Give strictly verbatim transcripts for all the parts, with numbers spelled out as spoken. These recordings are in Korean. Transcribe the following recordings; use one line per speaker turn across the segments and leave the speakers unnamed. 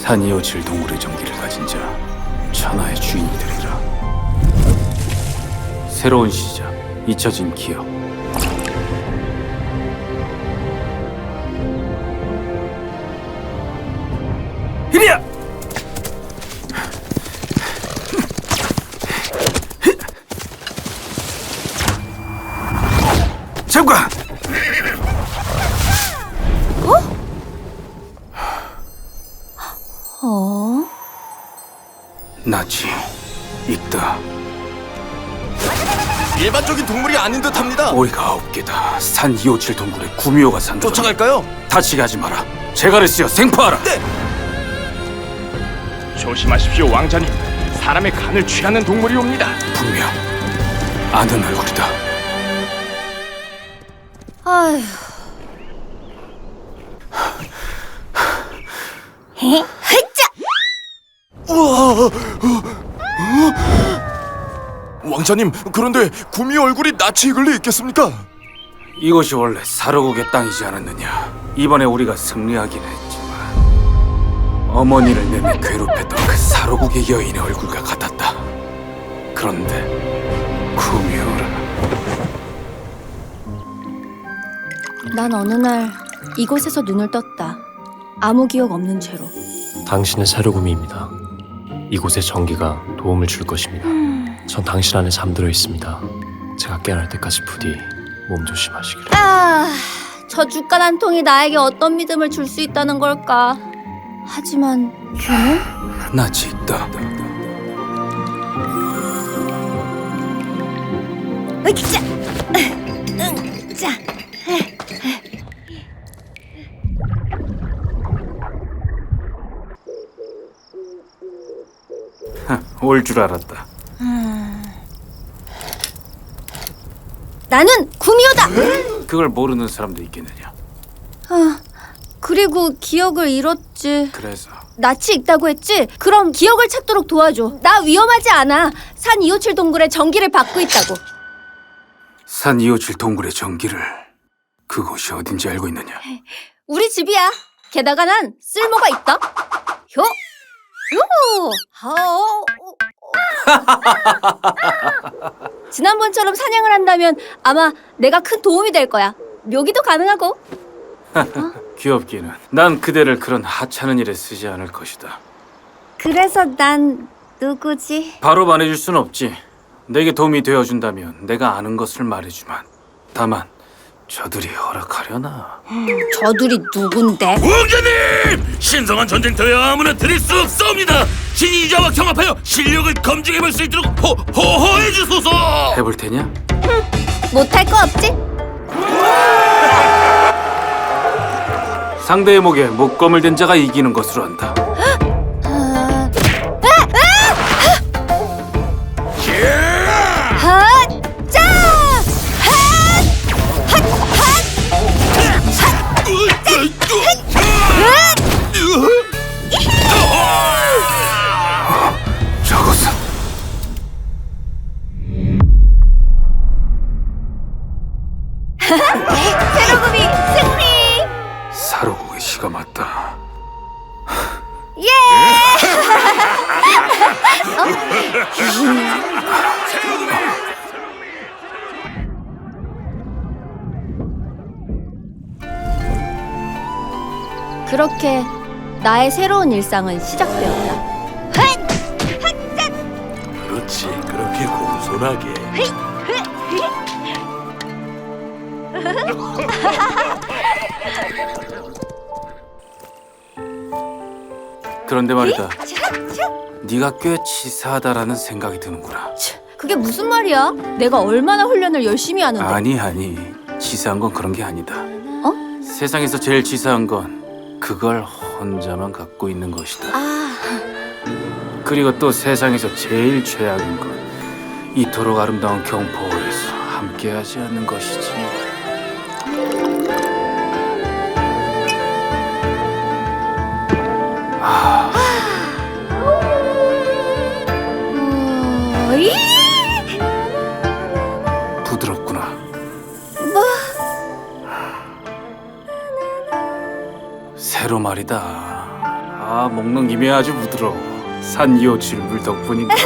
산이오칠 동굴의 전기를 가진 자 천하의 주인이 되리라. 새로운 시작, 잊혀진 기억. 이리야! 장관!
어?
나지 있다.
일반적인 동물이 아닌 듯합니다.
꼬리가 아홉 개다. 산 이오칠 동굴에 구미호가 산다.
쫓아갈까요?
다치게 하지 마라. 제갈을 생포하라.
네.
조심하십시오, 왕자님. 사람의 간을 취하는 동물이 옵니다.
분명 아는 얼굴이다.
아휴. 헤? 헤짜!
우와! 왕자님, 그런데 구미 얼굴이 낯이 익을 리 있겠습니까?
이곳이 원래 사로국의 땅이지 않았느냐. 이번에 우리가 승리하긴 했지만 어머니를 내내 괴롭혔던 그 사로국의 여인의 얼굴과 같았다. 그런데 구미호라.
난 어느 날 이곳에서 눈을 떴다. 아무 기억 없는 채로.
당신의 새로구미입니다. 이곳의 전기가 도움을 줄 것입니다. 전 당신 안에 잠들어 있습니다. 제가 깨어날 때까지 부디 몸 조심하시기를.
아, 저 주 간 한 통이 나에게 어떤 믿음을 줄 수 있다는 걸까? 하지만 걔는?
낯이 있다.
으이자! 응, 자.
올 줄 알았다.
나는 구미호다!
그걸 모르는 사람도 있겠느냐.
아, 그리고 기억을 잃었지.
그래서
낯이 익다고 했지? 그럼 기억을 찾도록 도와줘. 나 위험하지 않아. 산 이오칠 동굴에 전기를 받고 있다고.
산 이오칠 동굴의 전기를 그곳이 어딘지 알고 있느냐.
우리 집이야. 게다가 난 쓸모가 있다. 효! 요! 하오! 지난번처럼 사냥을 한다면 아마 내가 큰 도움이 될 거야. 묘기도 가능하고.
귀엽기는. 난 그대를 그런 하찮은 일에 쓰지 않을 것이다.
그래서 난 누구지?
바로 말해줄 순 없지. 내게 도움이 되어준다면 내가 아는 것을 말해주만. 다만 저들이 허락하려나.
저들이 누군데?
왕자님! 신성한 전쟁터에 아무나 드릴 수 없사옵니다. 신이자와 경합하여 실력을 검증해볼 수 있도록 호, 호호해 주소서.
해볼 테냐?
못할 거 없지?
상대의 목에 목검을 댄 자가 이기는 것으로 한다.
아... 아! 자!
저것은
새로구미 승리!
사로국의 시가 맞다.
예! 그렇게 나의 새로운 일상은 시작되었다.
그렇지, 그렇게 공손하게.
그런데 말이다. 네가 꽤 치사하다라는 생각이 드는구나.
그게 무슨 말이야? 내가 얼마나 훈련을 열심히 하는데.
아니 아니, 치사한 건 그런 게 아니다.
어?
세상에서 제일 치사한 건 그걸 혼자만 갖고 있는 것이다.
아,
그리고 또 세상에서 제일 최악인 건 이토록 아름다운 경포에서 함께하지 않는 것이지. 아,
어, 이?
부드럽구나.
뭐?
새로 말이다. 아, 먹는 김에 아주 부드러워. 산 이오칠 물 덕분인가.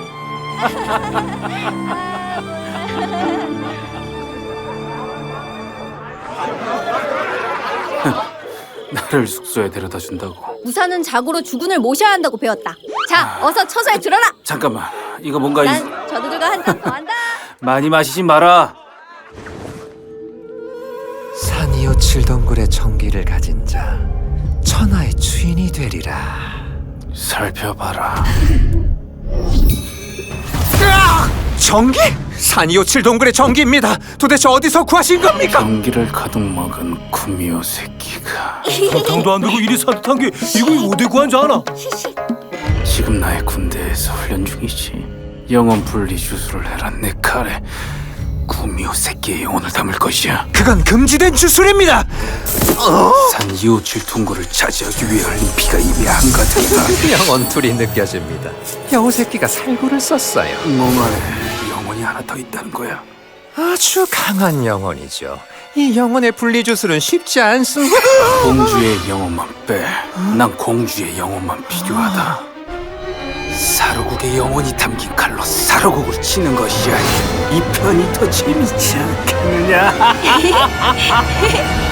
나를 숙소에 데려다 준다고.
무사는 자고로 주군을 모셔야 한다고 배웠다. 자, 어서 처소에 들어라.
잠깐만, 이거 뭔가 이...
난 저들과 한 잔 더 한다.
많이 마시지 마라.
산 이오칠 동굴의 정기를 가진 자 천하의 주인이 되리라.
살펴봐라.
정기? 산 이오칠 동굴의 정기입니다. 도대체 어디서 구하신 겁니까?
전기를 가득 먹은 구미호 새끼가
당도 안 되고 이리 산뜻한 게 이거 어디 구한 줄 아나?
지금 나의 군대에서 훈련 중이지. 영혼 분리 주술을 해라. 내 칼에 구미호 새끼의 영혼을 담을 것이야.
그건 금지된 주술입니다.
산 이오칠 둥굴을 차지하기 위해 흘린 피가 이미 한가득이다.
영혼 둘이 느껴집니다. 여우 새끼가 살구를 썼어요.
몸 안에 영혼이 하나 더 있다는 거야.
아주 강한 영혼이죠. 이 영혼의 분리 주술은 쉽지 않습니다.
공주의 영혼만 빼. 난 공주의 영혼만 필요하다. 사로국의 영혼이 담긴 칼로 사로국을 치는 것이야. 이 편이 더 재밌지 않겠느냐?